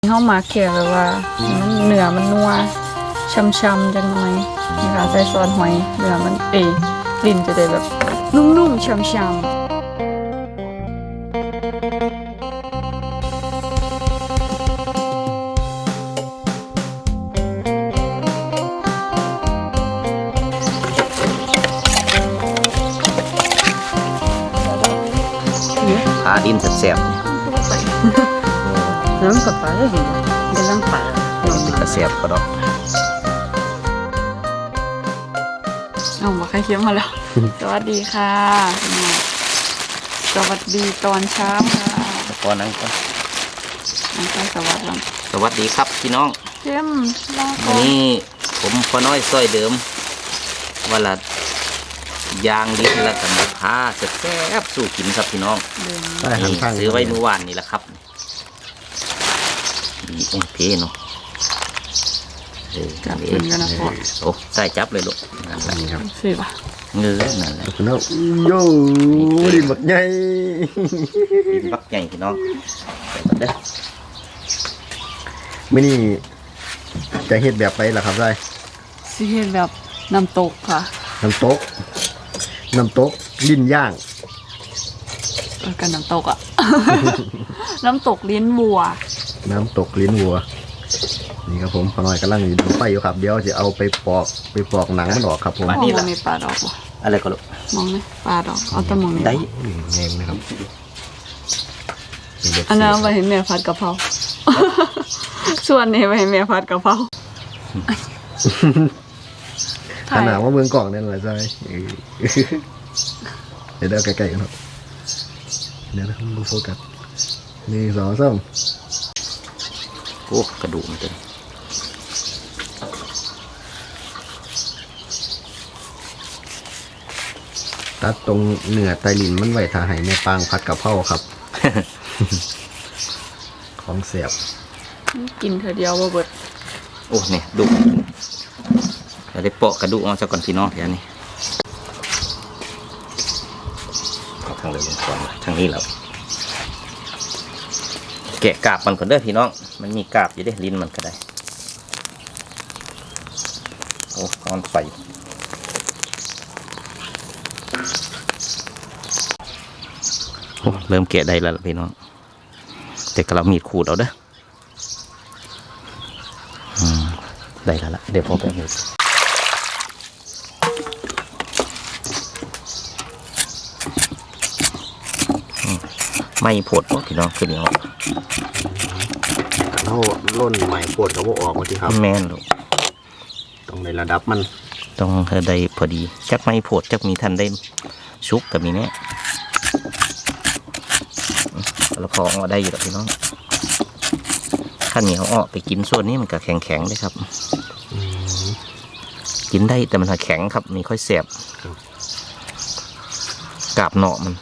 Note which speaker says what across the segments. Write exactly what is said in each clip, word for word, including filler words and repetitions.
Speaker 1: เข้ามาแค่แบบว่ามันเนื้อมันนัวช้ำๆจังหน่อยนี่ค่ะใส่ซอสหอยเนื้อมันเอยลิ้นจะได้แบบนุ่มๆช้ำ
Speaker 2: พาดินแซ่บ
Speaker 1: ๆน้ำกับปลาได้เห็นเป็นร่างปลา
Speaker 2: ๆกระแซ่บก็ดอก
Speaker 1: เอามาใครเคี้ยวมาแล้ว สวัสดีค่ะสวัสดีตอนเช้าค่ะ
Speaker 2: ตอนนั้นก็
Speaker 1: น้องชายสวัสดี
Speaker 2: สวัสดีครับพี่น้อง
Speaker 1: เข้มรอก่
Speaker 2: วั
Speaker 1: อน น
Speaker 2: นี้ผมพ่อน้อยซอยเดิมวันละยางดินละกันพาแซ่บๆสู่กินครับพี่น้อง
Speaker 1: เดิน
Speaker 2: นี่ซื้อไว้เมื่อวานนี่แหละครับดีโอ้ยเพเนาะเออ
Speaker 1: จับกินกันนะพ่อ
Speaker 2: โอ้ใส่จับเลยลูกนั่นแหละ
Speaker 3: นี่ครับ
Speaker 1: สิป่ะ
Speaker 2: เงื้อนั่นแหละ
Speaker 3: คุณน้องโย่ดินบักใหญ่
Speaker 2: ดินบักใหญ่พี่น้องใส่ก่อนเด้อ
Speaker 3: ไม่นี่จะเฮ็ดแบบไปล่ะครับได้
Speaker 1: สิเห็นแบบน้ำตกค่ะ
Speaker 3: น้ำตกน้ำตกลิ้นย่าง
Speaker 1: เออกันน้ำตกอ่ะ น้ำตกลิ้นวัว
Speaker 3: น้ำตกลิ้นวัวนี่ครับผมพอน้อยกำลังอยู่ดูไฟอยู่ครับเดี๋ยวจะเอาไปปอกไปปอกหนังมันออกครับผม
Speaker 1: มองมันมีปลาดอกบ่
Speaker 2: อะไรก็ลูก
Speaker 1: มองไหมปลาดอกเอาแต่มองนี่
Speaker 2: ได้
Speaker 3: นี่แงงนะครับ
Speaker 1: อันนั้นไปเห็นแม่พัดกะเพรา ส่วนนี้ไปเห็นแม่พัดกะเพรา
Speaker 3: ขนาดว่าเมืองกล่องนั่นแหละใช่เดี๋ยวเดี๋ยวใกล้ๆกันครับเดี๋ยวนะครับดูโฟกัสหนึ่งสองสาม
Speaker 2: โอ้กระดูกมันเต็ม
Speaker 3: ตัดตรงเนื้อไตลินมันไว้ทาให้แม่ปางผัดกะเพราครับ ของเสียบ
Speaker 1: กินเธอเดียวบ่เบิด
Speaker 2: โอ้เนี่ยดุเราได้เปาะกระดูกเอาซะก่อนพี่น้องแถวนี้เอาทางเลยลงก่อนทางนี้แล้วแกะกาบมันก่อนเด้อพี่น้องมันมีกาบอยู่ได้ลิ้นมันก็ได้โอ้ก้อนไฟโอ้เริ่มแกะได้แล้วล่ะพี่น้องแต่ก็เรามีดขูดเอาเด้ออืมได้แล้วล่ะเดี๋ยวพอไปเอาไม่ผดพี่น้องคือเดียว
Speaker 3: เขาล่นใหม่ปวดกับว่าออกมาที่ครับ
Speaker 2: แม่นลูก
Speaker 3: ตรงในระดับมัน
Speaker 2: ต้องให้ได้พอดีจักไม่ผดจักมีทันได้ชุกกับมีเนี้ยแล้วพอเอาได้อยู่แล้วพี่น้องข้าวเหนียวออกไปกินส่วนนี้มันก็แข็งแข็งได้ครับกินได้แต่มันแข็งครับมีค่อยเสียบกาบเนาะมัน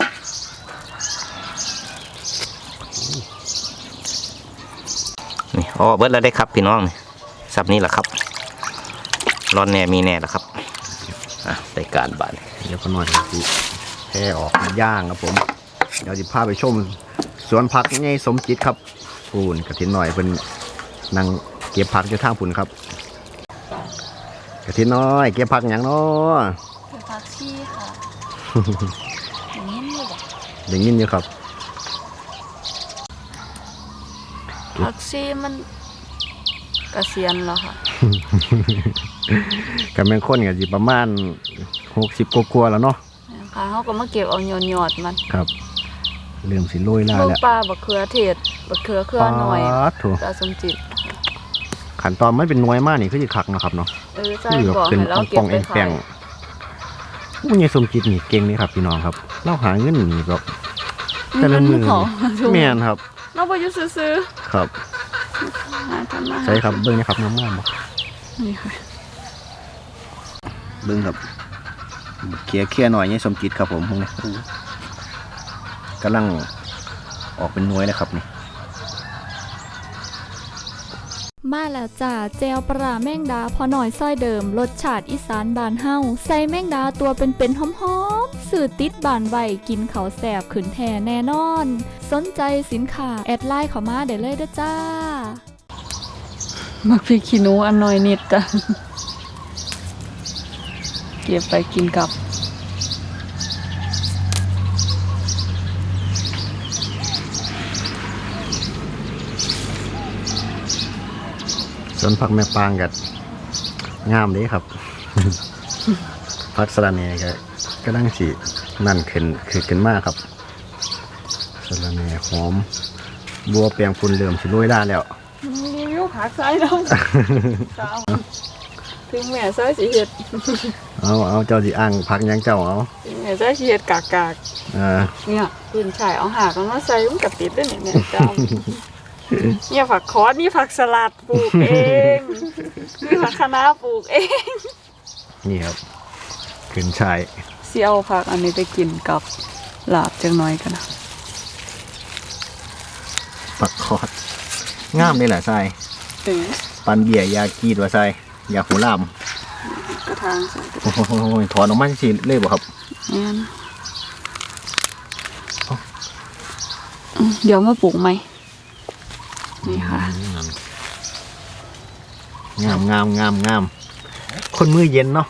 Speaker 2: นี่อ๋อเบิดแล้วได้ครับพี่น้องนี่สับนี้แหละครับร้อนแน่มีแน่แล้วครับอ่ะได้การบาน
Speaker 3: เดี๋ยวก็หน่อยสิแค่ออกย่างครับผมเดี๋ยวจะพาไปชมสวนผักไงสมจิตครับปูนกระถินหน่อยเป็นนั่งเก็บผักอยู่ทางปุ่นครับกระถินน้อยเก็บผักอย่างน้อ
Speaker 1: เป็นผักชีค่ะอย่างนี้นี่บ่
Speaker 3: อย่างนี้อยู่ครับ
Speaker 1: ผักชีมันเกษียณแล้วค่ะ
Speaker 3: กับแมงข้นกับจีประมาณหกสิบกว่าๆแล้วเนาะ
Speaker 1: ค่ะเขาก็มาเก็บเอาหยอดๆมัน
Speaker 3: ครับเริ่มสิโรยล่า
Speaker 1: เมือง
Speaker 3: แล้ว
Speaker 1: ปลาบักเขือเทศบักเขือเครือหน่อย
Speaker 3: ปาดโถู
Speaker 1: ตาสมจิต
Speaker 3: ขั้นตอนมันเป็นหน่วยมากนี่คือจะคักเนาะครับเนาะ
Speaker 1: เออใช่
Speaker 3: คือแบบ
Speaker 1: บอก
Speaker 3: เป็น
Speaker 1: ให้เรา
Speaker 3: ป
Speaker 1: เก็
Speaker 3: อบ งๆ
Speaker 1: ไป
Speaker 3: แป
Speaker 1: ขาง ย
Speaker 3: ๆผู้ใหญ่สมจิตนี่เก่งนี่ครับพี่น้องครับเราหาเงินนี่แบบแต่ละมือ
Speaker 1: เงินของ
Speaker 3: แม่นครับ
Speaker 1: เราไปอยู่ซื้อ
Speaker 3: ครับ
Speaker 1: ๆหาทำมา
Speaker 3: ใช่ครับเบิ้งนะครับงามๆบ่
Speaker 1: นี่ค่ะ
Speaker 3: เบิ้งครับเคลียร์เคลียร์หน่อยนี่สมจิตครับผมพวกนี้กำลังออกเป็นหน่วยนะครับนี่
Speaker 4: มาแล้วจ้าเจลปลาแมงดาพอหน่อยซ้อยเดิมรสชาติอีสานบานเฮาใส่แมงดาตัวเป็นๆหอมๆสื่อติดบานไวกินเขาแสบขืนแท่แน่นอน สนใจสินค้าแอดไลน์เข้ามาได้เลยเด้อจ้า
Speaker 1: มักพริกขี้หนูอันน้อยนิดจ้ะเก็บไปกินกับ
Speaker 3: สวนผักแม่ปางกัดงามเลยครับ พักสะระแหน่ก็ก็ดังสีนั่นขึ้นคือขึ้นมากครับสะระแหน่หอมบัวเปียงฝุ่นเหลื่อมสิลุยได้แล้ว
Speaker 1: รีวิวผักไส้น้ำเจ้าถึงแม่ไส้สีเห็ด
Speaker 3: เอาเอาเจ้าสิอ่างพักยังเจ้าเอา
Speaker 1: ถึงแม่ไส้สีเห็ดกากกาก
Speaker 3: เออ
Speaker 1: เนี่ยปืนฉายเอาหากมันมาใส่มันกับติดด้วยเนี่ยเนี่ยเจ้าเนี่ยผักคอสนี่ผักสลัดปลูกเองนี่ผักคะน้าปลูกเอง
Speaker 3: นี่ครับขึ้นชาย
Speaker 1: เสี่ยวผักอันนี้ไปกินกับลาบจังน้อยกันนะ
Speaker 3: ปักคอดงามเลยแหละทราย
Speaker 1: เอ๋
Speaker 3: ปันเบียร์ยากีดว่าทรายยาหูลาม
Speaker 1: กระทางใส่กระ
Speaker 3: โอ้โหถอนออกมาสิเลยบ่ครับ
Speaker 1: นี่นอืมเดี๋ยวมาปลูกไหมนี่ค่ะ
Speaker 3: งามงามงามงามคนมือเย็นเนาะ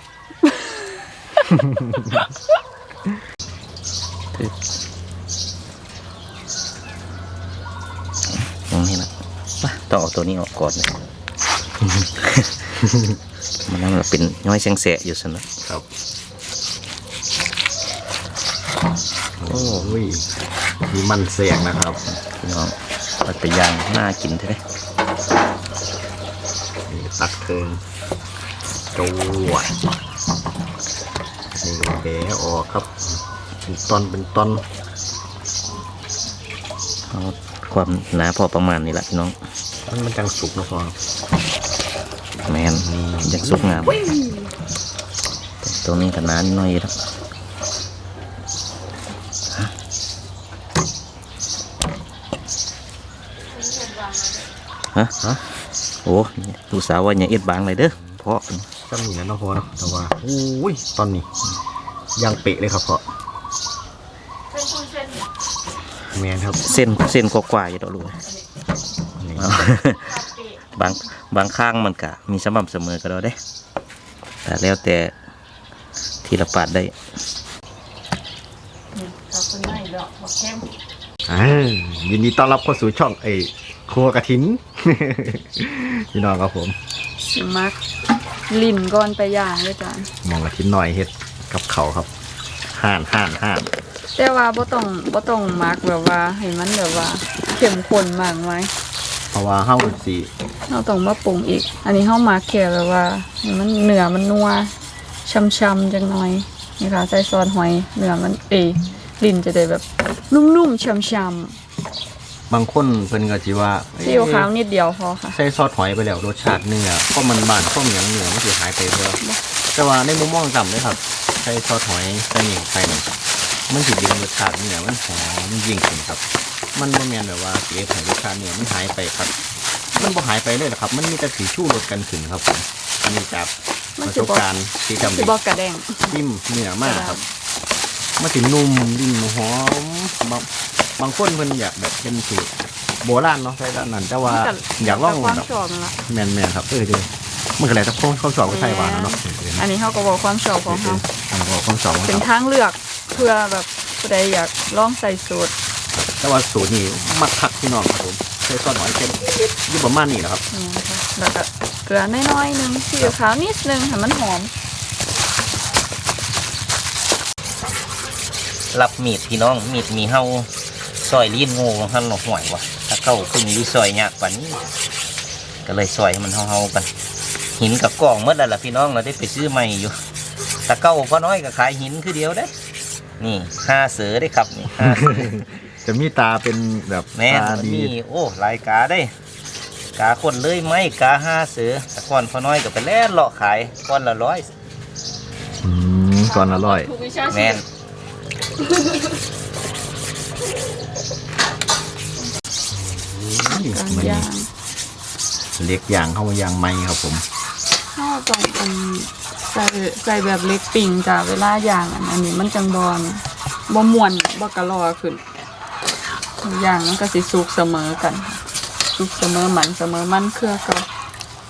Speaker 2: ตรงนี้นะป่ะต้องเอาตัวนี้ออกก่อนเลย มันนั่นเป็นย้อยแสงแสะอยู่สินะครับ
Speaker 3: โอ้ยมีมันเสียงนะครับ
Speaker 2: พี่น้องเอาแต่ย่างน่ากินใช่ไหม
Speaker 3: นี่ตักเทิงจวดนี่แบะออกครับเป็นตอนเป็นตอน
Speaker 2: เอาความหนาพอประมาณนี้แหละพี่น้อง
Speaker 3: มันมันจังสุกเนาะพอ
Speaker 2: แมนยังสุกงามตรงนี้ก็หนานิดหน่อยแล้วฮะฮะโอ้ลูกสาวว่าอย่าเอ็ดบางเลยเด้อเพราะ
Speaker 3: จำนี่นะเนาะพอเนาะแต่ว่าโอ้ยตอนนี้ยังเปะเลยครับพอแมนครับ
Speaker 2: เส้นเส้นกว่าๆอยู่ดอกลูก
Speaker 3: นี่
Speaker 2: เอา บางบางข้างมันกะมีสม่ำเสมอก็ได้เด้แต่แล้วแต่ทีละปาดได้
Speaker 3: อ่ายินดีต้อนรับเข้าสู่ช่องไอ้ครัวกระถิน พี่น้องครับผม
Speaker 1: สิมักลิ่นก่อนไปย่างด้วยจ้ะ
Speaker 3: มองกระถินหน่อยเฮ็ดกับเขาวครับห่านห่านห่าน
Speaker 1: แต่ว่าบ่ต้องบ่ต้องมักแบบว่าให้มันแบบว่าเข้มข้นมากไหม
Speaker 3: เพราะว่าเฮาสิ
Speaker 1: เราต้องมาปรุงอีก อันนี้เฮามาแค่แบบว่าให้มันเนื้อมันนัวช่ำๆจังหน่อยนี่ค่ะใส่ซอสหอยเนื้อมันเอยลิ้นจะได้แบบนุ่มๆช่ำ
Speaker 3: บางคนเพิ่นก็สิว่า
Speaker 1: ๆซีอิ๊วขาวนิดเดียวพอค่ะ
Speaker 3: ใส่ซอสหอยไปแล้วรสชาติเนื้อก็มันบานก็เหนียวเนื้อมันสิหายไปเด้อแต่ว่าในมุมมองต่ำเลยครับใส่ซอสหอยใส่หยังไปนี่มันสิดึงรสชาติเนื้อมันหอมยิ่งขึ้นครับ มันบ่แม่นแบบว่าเสียให้รสชาติเนื้อมันหายไปครับ มันบ่หายไปเลยหรอกครับ มันมีแต่สีชูรสกันขึ้นครับผมอันนี้จาก
Speaker 1: มัน
Speaker 3: ประ
Speaker 1: สิ
Speaker 3: ส
Speaker 1: บ่
Speaker 3: บการณ์ที่จำ
Speaker 1: สิ
Speaker 3: เป็น
Speaker 1: บ่กระแดง
Speaker 3: จิ้มเนื้อมากครับมันสินุ่มดิ้นหอมบางบางคนเพิ่นอยากแบบเป็นสูตรโบราณเนาะใส่ด้านนั้นแต่ว่าอยากลอง
Speaker 1: ความ
Speaker 3: แบบ
Speaker 1: ชอบมันละ
Speaker 3: แมนๆครับเออเดี๋ยวมันก็แล้วแต่คนเขาสอบก็ใช่หวานนะเนาะ
Speaker 1: อันนี้เฮาก็บอกความชอบของเฮา
Speaker 3: อันนี้คนสอบ
Speaker 1: เป็นทางเลือกเพื่อแบบผู้ใดอยากลองใส่สูตร
Speaker 3: แต่ว่าสูตรนี้มักคักพี่น้องครับผมใส่ซอสหอยเค็มอยู่ประมาณนี้นะครับ
Speaker 1: นี่นะคะแล้วก็เกลือน้อยๆหนึงซีอิ๊วขาวนิดนึงให้มันหอม
Speaker 2: รับมีดพี่น้องมีดมีเฮาซอยลิ้นงูของท่านหนอกห่วยวะถ้าเข้าขึ้นอยูซอยยากกว่านี้ก็เลยซอยให้มันเฮาๆกัน หินกับกล่องเมื่อไรล่ะพี่น้องเราได้ไปซื้อใหม่อยู่ถ้าเก้าพอน้อยก็ขายหินคือเดียวได้ นี่ห้าเสือได้ครับนี่ห้าเสือ
Speaker 3: จะมีตาเป็นแบบ
Speaker 2: แม่น
Speaker 3: ตา
Speaker 2: มัน
Speaker 3: ดี
Speaker 2: มีโอ้หลายกาได้ กาคนเลยไหมกาห้าเสือแต่ก่อนพอน้อยก็ไปแล่นเลาะขายก้อนละร้อย
Speaker 3: อืมก่อนอร่อย
Speaker 1: ถูกวิชา
Speaker 2: แม่น
Speaker 1: การ
Speaker 3: มัน
Speaker 1: ย่าง
Speaker 3: เล็กอย่างเข้ามายางไม้ครับผม
Speaker 1: เฮาต้องเป็นใส่ใส่แบบเล็กปิ่งจ้ะเวลาย่างอันอันนี้มันจังบอนบ่ม่วนบ่กะลอขึ้นย่างมันก็สิสุกเสมอกันสุกเสมอมันเสมอมันเครือเก็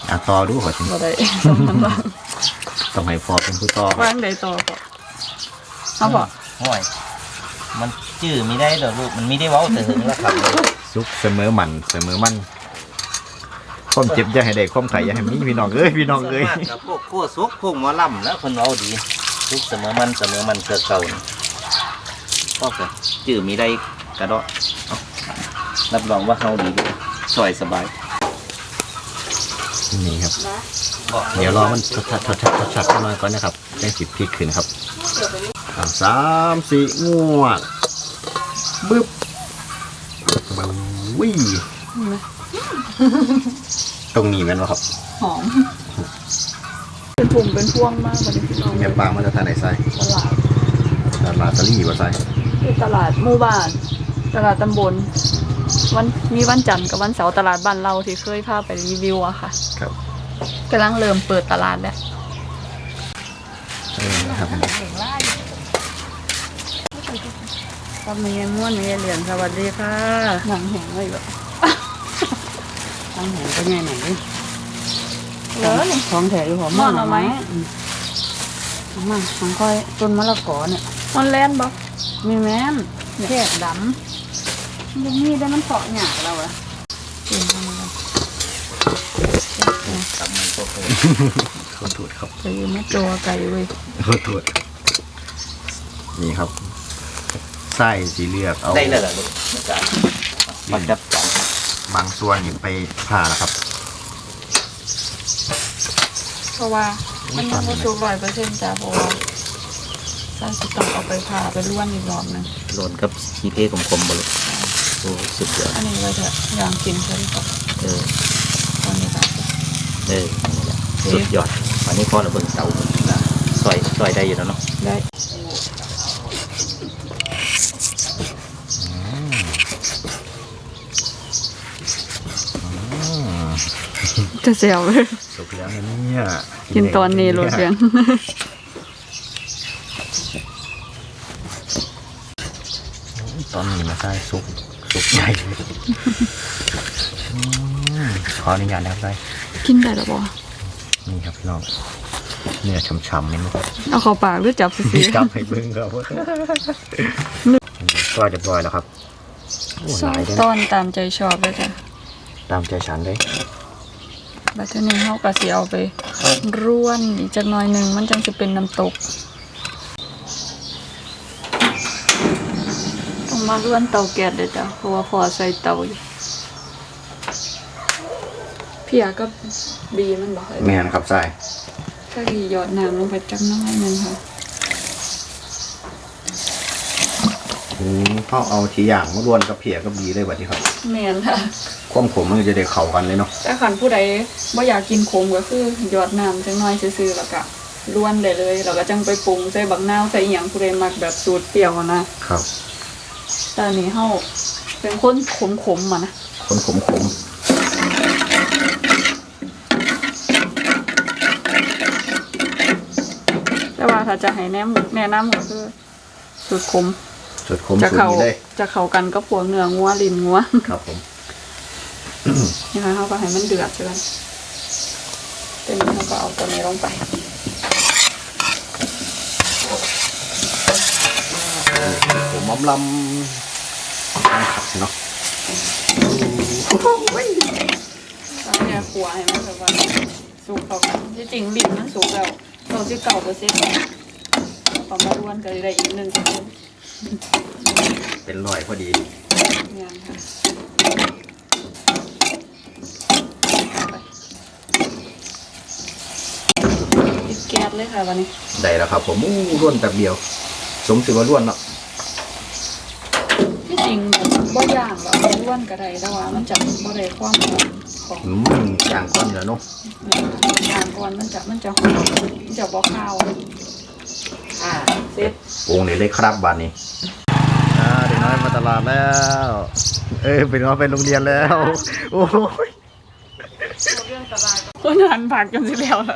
Speaker 3: อ่ะต่อดูขอชิม
Speaker 1: บ่ได้สองพันบาท
Speaker 3: ต้องให้พอเป็นผู้ต่อ
Speaker 1: วางได้ต่อบ่เอาบ่
Speaker 2: ห่วยมันจื้อไม่ได้ดอกลูกมันไม่ได้เว้าแต่ถึงแล้วครับ
Speaker 3: ซุกเสมอมันเสมอมันความเจ็บอย่าให้ได้ความไข่อย่าให้มีพี่น้องเอ้ยพี่น้องเอ้ย
Speaker 2: ส่วนมากกับพวกโคซุกพวกหมอลำแล้วคนเว้าดีทุกเสมอมันเสมอมันเกิดเก่านี่ก็จะจื้อมีได้กระโดดเอารับรองว่าเฮาดีซอยสบาย
Speaker 3: นี่ครับเดี๋ยวรอมันชัดชัดชัดชัดชัดชัดหน่อยก่อนนะครับแจ้งสิบพริกขึ้นครับอ่ะสามสี่งวดบึ๊บวิ่ตรงนี้แม่นวะครับ
Speaker 1: หอมเป็นถุงเป็นพวงมากวันนี้พี่น้อง
Speaker 3: แม่ปลามาจากทางไหนใส่
Speaker 1: ตลาด
Speaker 3: ตลาดตะลี่ว่าใส่
Speaker 1: ที่ตลาดหมู่บ้านตลาดตำบลวันมีวันจันทร์กับวันเสาร์ตลาดบ้านเราที่เคยพาไปรีวิวอะค่ะ
Speaker 3: ครับ
Speaker 1: กำลังเริ่มเปิดตลาดแล้ว
Speaker 3: เออครับ
Speaker 1: ก็มีม้วนมีเหรียญสวัสดีค่ะหนังแหงเลยแบบ
Speaker 5: ทางแหงก็ง่ายหน่อยดิ
Speaker 1: เหลือนี่
Speaker 5: ของแถอยู่หอม
Speaker 1: ม่อนเอาไหม
Speaker 5: เอามาของค่อยต้นมะละกอเนี่ย
Speaker 1: มันแล่นบ่
Speaker 5: มีแม่น
Speaker 1: แค่ดำมันมีได้มันเผาะหยาบแล้วอะ
Speaker 5: กินทำอะไร
Speaker 2: ตำมันก็โค
Speaker 3: ขอโทษครับ
Speaker 1: ไปยืมมาตัวไก่เว้ย
Speaker 3: ขอโทษนี่ครับไส้สีเลือกเอา
Speaker 2: ได้แล้วล่ะลูกอาจารย์มันจับจาน
Speaker 3: บางส่วนนี่ไปผ่าแล้วครับ
Speaker 1: เพราะว่ามันยังไม่สุกร้อยเปอร์เซ็นต์จ้ะเพราะว่าใส่สิต้องเอาไปผ่าไปล้วนอีกรอบหนึง
Speaker 2: โดนกับชีเท่คมๆบ่ลูกโอ้สุดยอด
Speaker 1: อันนี้ไว้เถอะอย่างกินใช่ไหมครับ
Speaker 2: เออ
Speaker 1: ตอนนี้ครับ
Speaker 2: เออนี่แหละสุดยอดอันนี้พอเราเบิ่งเตาซอยซอยได้อยู่แล้วเนาะ
Speaker 1: ได้จะเสียวเลย
Speaker 3: สุกแล้วนะเนี่ย
Speaker 1: กินตอนนี้โรเสียง
Speaker 3: ตอนนี้มาใส่ซุปซุปใหญ่เลยอืมขออนุญาตนะครับใส่
Speaker 1: กินได้หรอบ่
Speaker 3: นี่ครับพี่น้องเนื้อช่ำๆนี่มั้ง
Speaker 1: เอาเข้าปากหรือจับซื้อ
Speaker 3: จับให้เบิ้งครับก็เรียบร้อยแล้วครับโอ้หลายเลย
Speaker 1: ต้
Speaker 3: นะ
Speaker 1: อนตามใจชอบเลยจ้ะ
Speaker 3: ตามใจฉันเลย
Speaker 1: บัดเทอนี้เขาก็สิเอาไปร่วนอีกจักหน่อยหนึ่งมันจังจะเป็นน้ำตกต้องมาร่วนเตาแก๊สเลยจ้ะเพราะว่าพอใส่เตาอยู่เพียก็บีมันบอกเลย
Speaker 3: แม่นครับใส่
Speaker 1: ถ้าบีหยอดน้ำลงไปจักหน้อยหนึงค่ะ
Speaker 3: อืมเขาเอาทีอย่างมารวนกับเพียกับบีเลยแบบนี้ครับ
Speaker 1: แม่นค่ะ
Speaker 3: ความขมมันจะได้เข้ากันเลยเนาะ
Speaker 1: แต่ขันผู้ใดบ่อยากกินขมก็คือหยอดน้ำจังน้อยซื่อๆแล้วก็ร่วนได้เลยแล้วก็จังไปปรุงใส่บักนาวใส่อหยังผู้ใดมักแบบสูตรเปรี้ยวอะนะครับ แต่อันนี้เฮาเป็นคนขมๆมานะ
Speaker 3: คนขมขม
Speaker 1: แต่ว่าถ้าจะให้แนะนำแนะนำก็คือสูตรขม
Speaker 3: สุดขม
Speaker 1: จะ
Speaker 3: สุด
Speaker 1: เข้า
Speaker 3: นี้เลย
Speaker 1: จะเข้ากันก็พวกเนื้องัวลิ้นงัว
Speaker 3: ครับผม
Speaker 1: นี่ค่ะเฮาก็ให้มันเดือดใช่ไหมเต็มนี้เราก็เอาตัวนี้ลงไป
Speaker 3: ผมม้อมลำขัดเนาะ
Speaker 1: แล้วเนี่ยขัวให้มันแบบว่าสุกเข้ากันที่จริงลิ้นมันสุกแล้วเราสิเก่าเปอร์เซ็นต์ความมาร่วนก็ได้อีกหนึ่งเปอร์เซ็นต์
Speaker 3: เป็นรอยพอดี
Speaker 1: เนี่ยค่ะปิดแก๊สเลยค่ะวันนี้
Speaker 3: ได้แล้วครับผมอู้ร่วนแบบเดียว สมสิว่าร่วนเนาะ
Speaker 1: ที่จริงแบบบ่ย่างแบบร่วนก็ได้แต่ว่ามันจะบ่ได้ความหอมของ
Speaker 3: อืมย่างก้อนอยู่แล้วเนาะ
Speaker 1: ย่างก่อนมันจะมันจะหอมมันจะบ่ข้าวอ่าเสร็จ
Speaker 3: วงนี้เลยครับบานนี้อ่าเด็กน้อยมาตลาดแล้ว เอ้ยเป็นน้อยไปโรงเรียนแล้ว โอ้ย
Speaker 1: คนหันผักกันสิแล้วล่ะ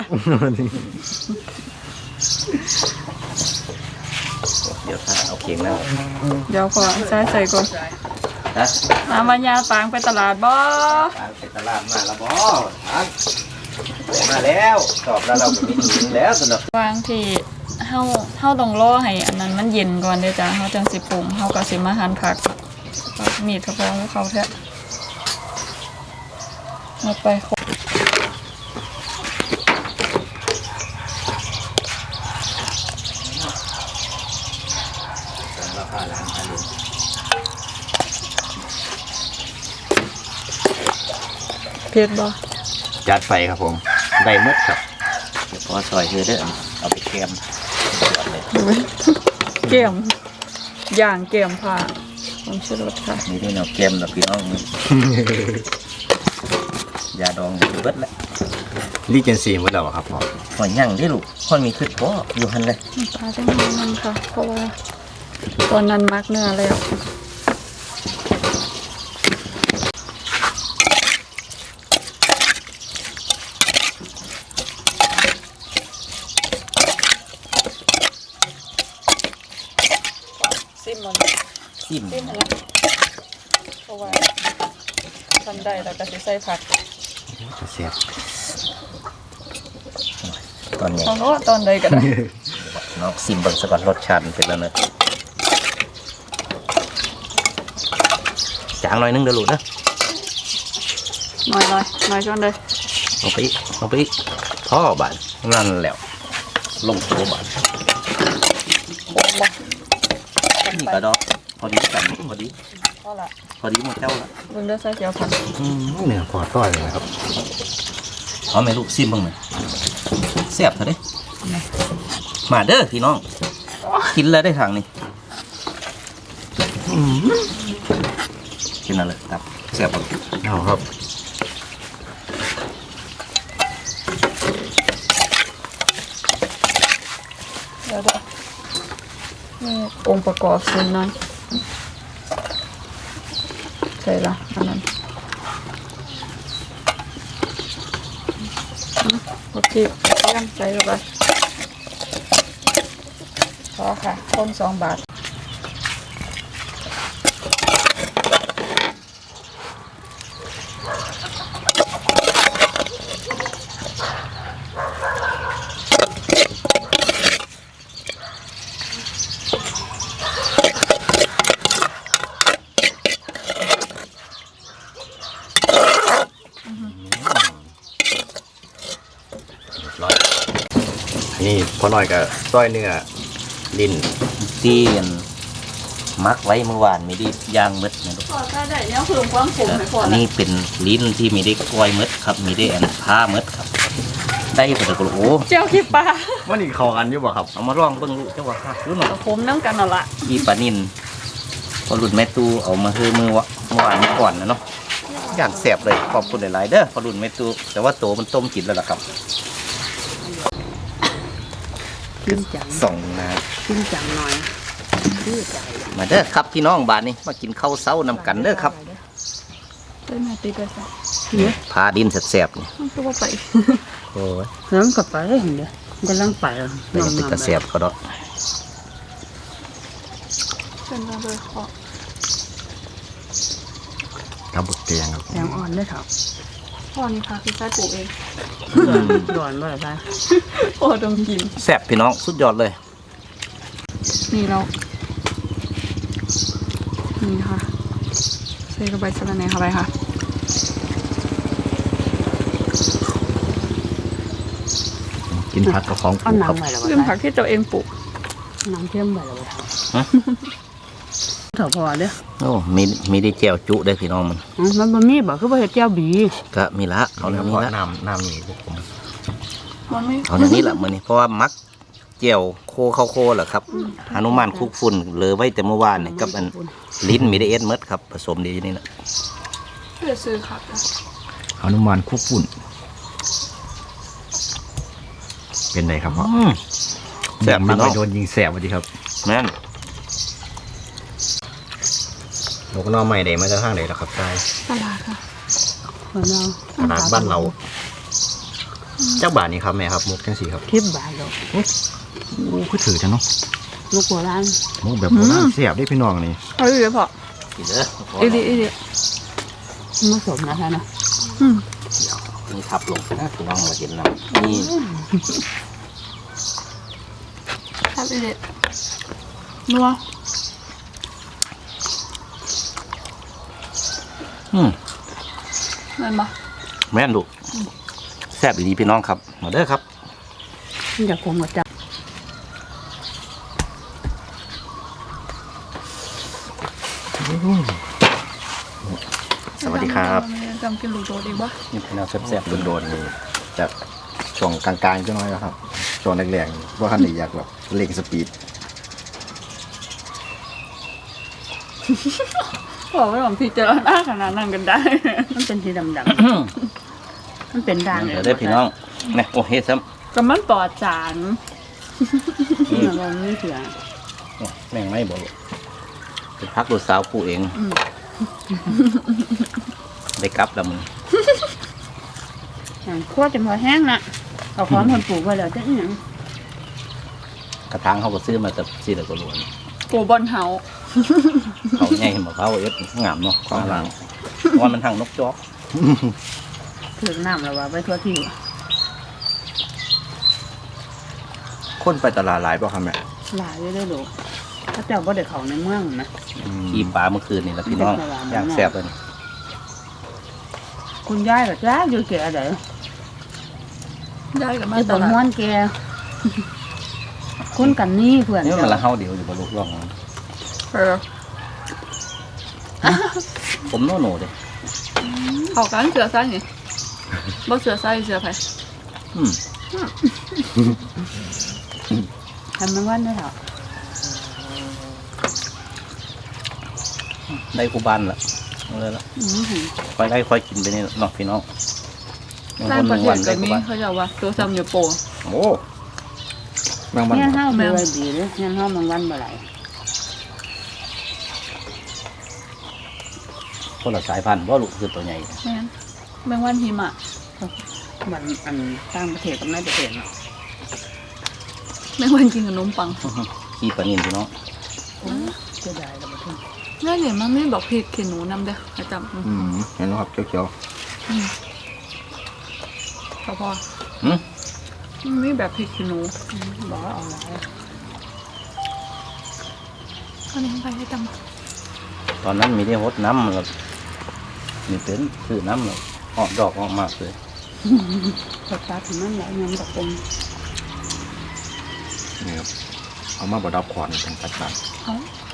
Speaker 2: เดี๋ยวถ้าเอาเคียงแล้ว
Speaker 1: เดี๋ยวขอใส่ใส่ก่อน
Speaker 2: นะ
Speaker 1: น้ำมันยาปางไปตลาดบ่
Speaker 2: ไปตลาดมาแล้วบ่ทานมาแล้วตอบแล้วเราก็ไม่หนีแล้วสำหรับ
Speaker 1: วางที่เฮาเฮาต้องรอให้อันนั้นมันเย็นก่อนเด้อจ้ะเฮาจังสิปรุงเฮาก็สิมาหั่นผักมีดกระเพาะเขาแท้มาไปครบเผ็ดบ่
Speaker 3: จัดไฟครับผมได้หมดครับ
Speaker 2: เดี๋ยวพอซอยเธอเด้อเอาไปแกม
Speaker 1: เกี่ยมย่างเกี่ยมผ่าผมชื่อรสค่ะ
Speaker 2: นี่ที่เราแกมกับพี่น้องนี่ ยาดองอยู่เบิดแล้ว
Speaker 3: รีเจนซีหมดแล้วครับพ่อ
Speaker 2: หอยย่างที่ลูกพ่อมีขึ้นพ่ออยู่หันเลย
Speaker 1: น้ำปลาจังหวะนึงค่ะ เพราะว่าตอนนั้นมักเนื้อแล้วซิมมัน
Speaker 2: ซิม
Speaker 1: ซิมมันละเพราะว่าทำได้แล้วก็จะใส่ผัก
Speaker 3: เสียบ
Speaker 2: ตอนนี้
Speaker 1: เอาโน้ตอนใดก็ได้
Speaker 2: น้องซิมเบิ่งซะก่อนรสชาติมันเป็นแล้วเนอะจางหน่อยนึงเด้อลูกนะ
Speaker 1: หน่อยหน่อยหน่อยจนเลย
Speaker 2: ลงไปอีกลงไปอีกพ่อบานนั่นแล้วลงตัวบานนี่ก็ดอกพอดีกันพอดี
Speaker 1: พอละ
Speaker 2: พอดีหมดเจ้าละ
Speaker 1: เบิ่งเด้อใส่เจียวผัก
Speaker 3: เนื้อพอต้อยเลยนะครับ
Speaker 2: เอาไหมลูกซิมเบิ่งหน่อยแซ่บเถอะเด้มาเด้อพี่น้องกินแล้วได้ทางนี้กินอะไรตับแซ่บบ่
Speaker 3: เอาครับ
Speaker 1: เดี๋ยวเดี๋ยวนี่องค์ประกอบส่วนนั้นใส่ละอันนั้นโอเคเตรียมใส่เข้าไปพอค่ะต้นสองบาท
Speaker 3: ร้อยนี่พอหน่อยกับต้อยเนื้อลิ้น
Speaker 2: ที่มักไว้เมื่อวานมีได้ย่างมืดนะลูก
Speaker 1: พอได้ได้เนี่ยเพิ่มความขมให้พอ
Speaker 2: อัน
Speaker 1: ละ
Speaker 2: นี้เป็นลิ้นที่มีได้กล้วยมืดครับ มีได้อันผ้ามืดครับ ได้ปะตะกุโอ้
Speaker 1: เจียวขี้ปลา
Speaker 3: ว่านี่เข้ากันอยู่บ่ครับ
Speaker 2: เอามาลองเบิ่งลูกเจ้าว่าค่ะรู้หน่อย
Speaker 1: เอาขมน้ำกันเอาละ
Speaker 2: อีปลานินพอหลุดแม่ตูเอามาคือมือวะเมื่อวานเมื่อก่อนนะเนาะอย่างแสบเลยขอบคุณหลายๆเด้อพอหลุดแม่ตูแต่ว่าโตมันต้มกินแล้วล่ะครับ
Speaker 5: ขึ้นจัง
Speaker 2: ส่องนะ
Speaker 5: ขึ้นจังหน่อยคือใจ
Speaker 2: มาเด้อครับพี่น้องบ้านนี้มากินข้าวเช้านำกันเด้อครับ
Speaker 1: ได้มาตีไปซะ
Speaker 2: พาดินแสบๆนี่
Speaker 1: มันก็ว่าไป
Speaker 2: โอ้ย
Speaker 5: เริ่มกับไปเห็นเด้อกำลังไปแล้ว
Speaker 2: แต่ยังเป็นตะแสบเขาดอก
Speaker 1: เชิญมาเลยขอ
Speaker 3: ครับบุกเตียงครับ
Speaker 5: แสงอ่อนได้เถอะ
Speaker 1: พ่อนี่ค่ะคือใช้ปลูกเอง
Speaker 5: ร้อนบ่ล่ะจ๊ะ
Speaker 1: โอ้ต้องกิน
Speaker 2: แสบพี่น้องสุดยอดเลย
Speaker 1: นี่เรานี่ค่ะใส่กระใบสะระแหน่เข้าไปค่ะ
Speaker 3: กินผักกับของป
Speaker 5: เอา
Speaker 3: ลูก
Speaker 5: หนั
Speaker 3: ครั
Speaker 5: ง
Speaker 3: บ
Speaker 5: ไปแล้ว
Speaker 1: เรื่อง
Speaker 5: บ่
Speaker 1: ผักที่ตัวเองปลูก
Speaker 5: หนังเข้มไปแล้วบ่
Speaker 2: ฮะ
Speaker 5: เถอะพอเด้อ
Speaker 2: โอ้มีมีได้แจ่วจุได้อพี่น้องมัน
Speaker 5: อืมมันบ่มีบ่คือบ่เฮ็ดแจ่วบี
Speaker 2: ก็มีละเอา
Speaker 3: เอา
Speaker 2: เนื้
Speaker 3: เนื้
Speaker 2: อ
Speaker 3: อ
Speaker 2: นี้ละ
Speaker 3: น้ำน้ำนี่พวกผม
Speaker 1: มันไม่
Speaker 2: เอาเนื้อนี้ละมื้อนี้เพราะว่ามักแจ่วโคเข้าโคแหละครับหนุมานคุกฝุ่นเหลือไว้แต่เมื่อวานนี่กับอันลิ้นมีได้เอ็ดเมดครับผสมดีอยู่นี่นะ
Speaker 1: เพื่อซื้อค่ะ
Speaker 3: หนุมานคุกฝุ่นเป็นไงครับพ่อ
Speaker 2: อืมแซ่บ
Speaker 3: มั
Speaker 2: พี่
Speaker 3: น
Speaker 2: น้
Speaker 3: ไป
Speaker 2: อง
Speaker 3: โดนยิงแสบวันดีครับ
Speaker 2: แม่น
Speaker 3: นกน้อใหม่เดมาจากทางไหนล่ะครับใช่
Speaker 1: ตลาดค่ะ
Speaker 5: คนเรา
Speaker 3: ตลาดบ้านเราเจ้าบาทนี่ครับแม่ครับมุกจังสีครับ
Speaker 5: คลิปบาทดอก
Speaker 3: โอ้คือถือจังเนาะ
Speaker 5: ลูกโบราณ
Speaker 3: มุกแบบโบราณเสียบได้พี่น้องนี่
Speaker 1: เอาอีกเลยพอ
Speaker 2: กินเด้อ
Speaker 1: อีดีอีดี
Speaker 5: ผสมนะคะนะ
Speaker 1: อืม
Speaker 2: มีทับลงนะพี่น้องมาเห็นน้ำนี่
Speaker 1: ครับอีเด็ดนัว
Speaker 2: อืม
Speaker 1: นั่นปะ
Speaker 2: แม่นลูกแซ่บดีพี่น้องครับมาเด้อครับ
Speaker 5: อยากคงกับจับ
Speaker 3: สวัสดีครับ
Speaker 1: จำกินลูกโดดอีกปะ
Speaker 2: นี่พี่น้องแซ่บๆ
Speaker 3: โดนๆนี่จะช่วงกลางๆจังน้อยนะครับช่วงแรกๆว่าคันนี้อยากแบบเร่งสปีด
Speaker 1: บอกว่าผมพิจารณาขนาดนั้นกันได้
Speaker 5: มันเป็นสีดำ ๆมันเป็นด่าง
Speaker 2: เดี๋ยวได้พี่น้องนี่โอ้เฮ็ดซ้
Speaker 1: ก็มันปลอดสาร
Speaker 5: นี่มันไม่เสีย
Speaker 2: ำโอ้แม่งไม่บอกเป็นพักลูกสาวผู้เองได้กลับแล้วมึง
Speaker 5: คั่วจนพอแห้งนะเอาของคนปลูกไว้แล้วจะอีหยัง
Speaker 2: กระถางเขาก็ซื้อมาแต่สี่ตะกรวน
Speaker 1: ปูบอลเฮา
Speaker 2: เขาใหญ่มะพร้าวเอ็ดงามเนาะความหลังว่ามันทางนกจอก
Speaker 5: ถึงน้ำแล้วว่าไปทั่วที่
Speaker 3: คนไปตลาดหลายป่ะครับแม่
Speaker 5: หลายได้ดูถ้าเจ้าบ่ได้เข้าในเมืองนะ
Speaker 2: ขี่ปลาเมื่อคืนนี่แหละพี่น้องย่างแซ่บเลยนี่
Speaker 5: คุณยายก็จ้าอยู่แก่ได
Speaker 1: ได้กับมา
Speaker 5: คือ
Speaker 1: ต
Speaker 5: บ่
Speaker 1: ลา
Speaker 5: ม่ว
Speaker 1: ด
Speaker 5: นแก่คนกันนี่เพื่อน
Speaker 2: นี่มัน
Speaker 5: เจ้า
Speaker 2: ละเฮาเดียวอยู่บนลูกร่อง
Speaker 1: เออ
Speaker 2: ผมโน่โน่เลย
Speaker 1: เขากันเสือไส้นี่บ่เสือไส้เสือไผ่
Speaker 2: อืม
Speaker 5: ทำมันวันได้เหรอ
Speaker 2: ได้กูบานละเอาเลยละ
Speaker 5: อือหือ
Speaker 2: ค่อยได้ค่อยกินไปนี่เนาะพี่น้อง
Speaker 1: ร้านประเท
Speaker 2: วั
Speaker 1: ศ
Speaker 2: น
Speaker 1: ก็
Speaker 2: ได้กู
Speaker 1: มี
Speaker 2: บาน
Speaker 1: เขาจะว่าตัวซ้ำอยู่โป
Speaker 2: โอ้
Speaker 3: แมงมัน
Speaker 5: เนี่ย
Speaker 3: บ่
Speaker 5: เฮาบ่ได้ดีเด้อเนี่ยเฮามันวันบ่ไหล
Speaker 2: คนละสายพันธุ์ว่าลูกคือตัวใหญ่
Speaker 1: แม่นแมงวันหิมะ
Speaker 5: มันอันต่างประเทศกับในประเทศเนาะ
Speaker 1: แมงวันกินขนมปัง
Speaker 2: ขี้ปลานินพี่น้อง
Speaker 5: เสียดายแล้วบ่ถึง
Speaker 1: ง่ายเนี่ยมันไม่บอกผิดเขียนหนูนำเด้อให้จำ
Speaker 3: อืมเห็นไหมครับเขียว
Speaker 1: พอพอ
Speaker 2: หืม
Speaker 1: มันไม่แบบผิดเขียนหนู
Speaker 5: บอกว่าเอาหลาย
Speaker 1: เอานี้ไปให้จำ
Speaker 2: ตอนนั้นมีได้หดน้ำมันก็มีเป็นคือน้ำเลยออกดอกออกมากเลย
Speaker 5: สตาร์ทมันหลายยำกับเป็น
Speaker 3: ๆนี่ครับเอามาบดดับขวานเป็นตัดตัด
Speaker 1: เอา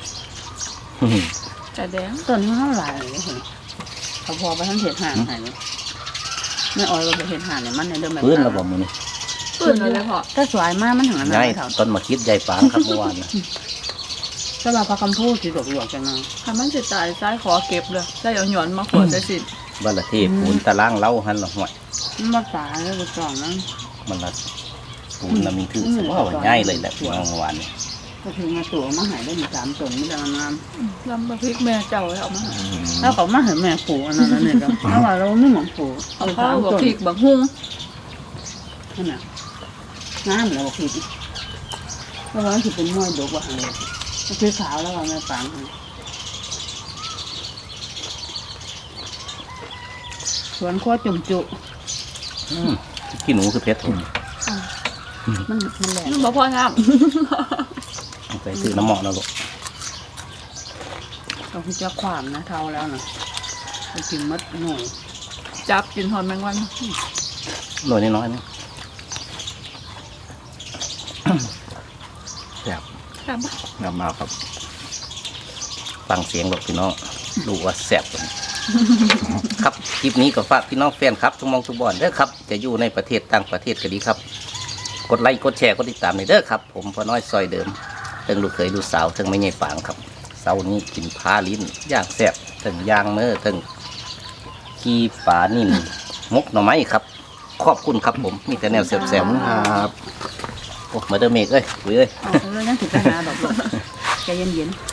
Speaker 1: แต่แดง
Speaker 5: ต้นนี้เฮาหลายเลยเห็นเขาพอไปทั้งเห็ดห่านให้เนาะไม่อ้อยว่าไปเห็ดห่านเนี่ยมันในเดิมแบบ
Speaker 2: พื้นระบบมือนี่
Speaker 1: ปืนเลยพอ
Speaker 5: ถ้าสวยมากมันถึงอันนั้น
Speaker 2: ง่าย
Speaker 5: ไม่เท่า
Speaker 2: ต้นมาคิดใหญ่ปางครับเมื่อวานนะ
Speaker 5: ถ้าเราพาคำพูดสิดอกหลวกจังเนาะ
Speaker 1: ถ้ามันจะตายซ้ายขอเก็บเลยได้เอาหย่อนมาขวดได้สิ
Speaker 2: บ้านละเทพปูนตะล่างเล้าหันละห่วย
Speaker 5: มันมาตายแล้วก็กล่องนั้น
Speaker 2: มันละปูนละมีถือสว่าว่าง่ายเลยแหละพี่น้องเมื่อวานนี่
Speaker 5: ก็ถึงมาตัวมาหายได้มีสามต้นไม่ได้งาม
Speaker 1: ลำบะพริกแม่เจ้าเอามา
Speaker 5: ถ้าเขามาเห็นแม่ปู่อันนั้นเนี่ยก็ถ้าว่าเราไม่เหมือนปู่
Speaker 1: เอาข้าวบะพริกบะฮุ้ง
Speaker 5: นั่นน่ะงามแล้วบอกผิดเพราะว่าถือเป็นมวยดกว่าหางคือขาวแล้วว่าแม่ปังสวนขั้วจุ่มจุ
Speaker 2: อืมขี้หนูคือเพชรผม
Speaker 5: มันมันแหลก
Speaker 1: มันบะพอน้
Speaker 2: ไปซื้อน้ำหมอกนะลูก
Speaker 5: เราคือจะความนะเท่าแล้วนะไปกินมัดหน่อย
Speaker 1: ำจับกินหอนแมงวัน
Speaker 2: หน่อยน้อยๆนี่
Speaker 3: แซ่บ
Speaker 1: จับปะ
Speaker 3: งามมากครับ
Speaker 2: ฟังเสียงหรอกพี่น้องดูว่าแซ่บกว่านี้ ครับคลิปนี้ก็ฝากพี่น้องแฟนครับทุกมองทุกบอนเด้อครับจะอยู่ในประเทศต่างประเทศก็ดีครับ กดไลค์กดแชร์กดติดตามในเด้อครับผมพ่อน้อยซอยเดิมเทิงลูกเขยลูกสาวเทิงไม่ใหญ่ฝางครับเสาร์นี้กินพาลิ้นย่างแซ่บเทิงย่างเมื่อเทิงขี้ปลานิ่นมกหน่อไม้ครับ ขอบคุณครับผมมีแต่แนวแซ่บ
Speaker 3: ครับ
Speaker 2: ๆโอ้มาเดอร์เมกเอ้ยคุยเอ้ย
Speaker 5: เอาเรื่องนั้นถึงไปหาดอกหลวกใจเย็นๆ